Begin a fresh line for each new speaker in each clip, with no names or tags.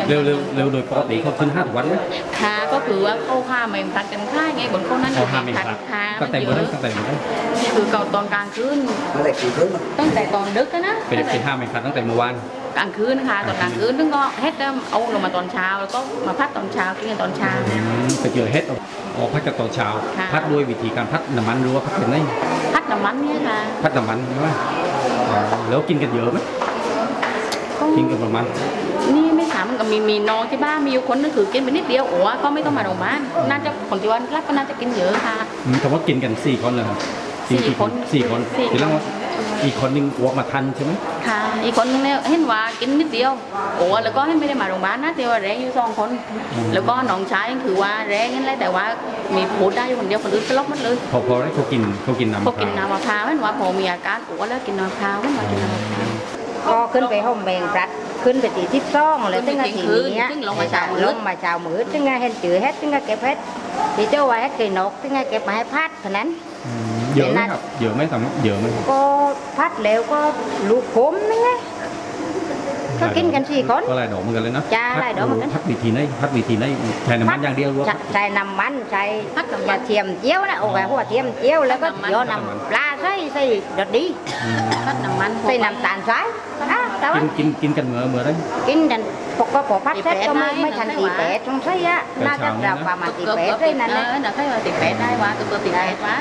เร็วโดยปกติเขาขึ้น5 วันไหม
ค่ะก็คือว่าเขาห้ามไม่ทันกันค่ายไงบนเขานั้น
ห้ามไม่ทันตั้งแต่เมื่อ
คือเก่าตอนกลางคืนตั้งแต่ตอนดึกนะ
เป็นห้ามไม่ทันตั้งแต่เมื่อวาน
กลางคืนค่ะตอนกลางคืนนึงก็เฮ็ดเอาลงมาตอนเช้าแล้วก็มาพัดตอนเช้ากินกันตอนเช้า
ไปเจอเฮ็ดออกพัดกันตอนเช้าพัดด้วยวิธีการพัดน้ำมันหรือว่าพัดเป็นไง
พัดน้ำมันเนี่ยค่ะ
พัดน้ำมันใช่ไหมแล้วกินกันเยอะไหมกินกันประมาณ
นี่ไม่ถามกับมีน้องที่บ้านมีอยู่คนนึงคือกินไปนิดเดียวโอ้ก็ไม่ต้องมาโรงพยาบาลน่าจะคนที่วันรับก็น่าจะกินเยอะค่ะ
คำว่ากินกัน4 คนเลยครับ4 คนทีแรกว่าอีกคนนึงอ้วกมาทันใช่ไหม
ค่ะอีกคนนึงเนี่ยเห็นว่ากินนิดเดียวโอ้แล้วก็ให้ไม่ได้มาโรงพยาบาลนะแต่ว่าแรงอยู่2 คนแล้วก็น้องชายคือว่าแรงนั่นแหละแต่ว่ามีพูดได้อยู่คนเดียวคนอื่นสลบหมดเลย
พอได้เขากินน้ำ
มะพร้าวเห็นว่าพอมีอาการอ้วแล้วกินน้ำมะพร้าวเห็นว่ากินน้ำมะพร้าว
ก็ขึ้นไปห้องแบ่งรัดขึ้นไปตีที่ซ่องเลยตึ้งทีนี้
ลงมาเช้า
มือตึ้งเห็นจืดเฮ็ดตึ้งเก็บเฮ็ดที่เจ้าไว้ให้กินนกตึ้งเก็บมาให้พัดเท่านั้น
เยอะไหมครับเยอะไหมสำหรับเยอะไหม
ก็พัดแล้วก็ลูกขมนั่นไงก็กินกัน4 คน
ก็หลายดอกเหมือนกันเลยนะ
จ้าหลายดอกเหมือนกัน
พัดวิธีไหนใช้น้ำมันอย่างเดียว
ใช้น้ำมันใช้กระเทียมเจียวนะโอ้ยหัวเทียมเจียวแล้วก็เจียวน้ำปลาใส่ดดดี
พัดน้ำมัน
ใส่น้ำตาลทราย
กินกันเมื่อได้
กินกันพอพัดเสร็จก็ไม่ทันตีแปดตรงใช่ยะน่าจะเราประมาณตีแปดได้นั่นเลย
น่าจะตีแปดได้วะตัวตีแปดวะ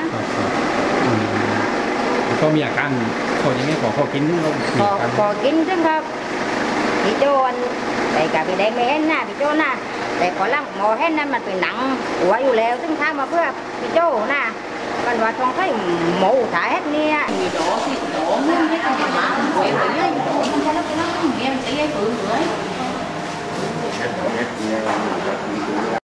ก็มีอาการเขาอย่างนี้พอกิน
พอกินซึ่งครับพี่โจนแต่กับพี่แดงไม่เห็นนะพี่โจนะแต่ขอล่างหมอเห็นนั้นมันเป็นหนังหัวอยู่แล้วซึ่งทำมาเพื่อพี่โจนะมันว่าต้องใช้หมูถ่ายเห็ดเนี่ย
มีโดสิโดมันไม่ต้องมาหวยเลยเนี่ยโดมันจะแล้วไปแล้วเนี่ยมันจะยังฝืนเลย